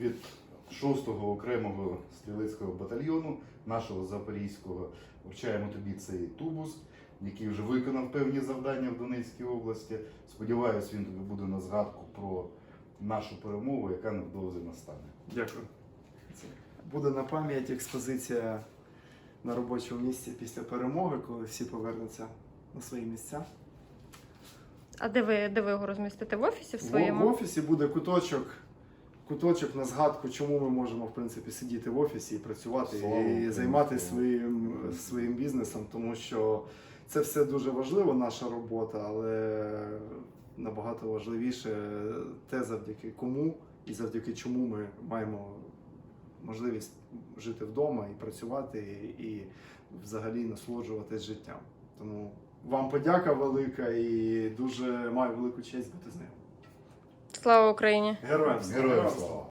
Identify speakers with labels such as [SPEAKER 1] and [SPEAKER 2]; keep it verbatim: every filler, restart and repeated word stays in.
[SPEAKER 1] Від шостого окремого стрілецького батальйону нашого Запорізького вручаємо тобі цей тубус, який вже виконав певні завдання в Донецькій області. Сподіваюсь, він тобі буде на згадку про нашу перемогу, яка невдовзі настане.
[SPEAKER 2] Дякую. Буде на пам'ять експозиція на робочому місці після перемоги, коли всі повернуться на свої місця.
[SPEAKER 3] А де ви, де ви його розмістите? В офісі в
[SPEAKER 2] В,
[SPEAKER 3] своєму?
[SPEAKER 2] в офісі буде куточок, куточок на згадку, чому ми можемо в принципі сидіти в офісі і працювати,
[SPEAKER 1] Слава
[SPEAKER 2] і
[SPEAKER 1] Україні.
[SPEAKER 2] займатися своїм, своїм бізнесом, тому що це все дуже важливо, наша робота, але набагато важливіше те, завдяки кому і завдяки чому ми маємо можливість жити вдома і працювати, і, і взагалі насолоджуватись життям. Тому вам подяка велика і дуже маю велику честь бути з ним.
[SPEAKER 3] Слава Україні!
[SPEAKER 2] Героям слава!
[SPEAKER 1] Героям слава!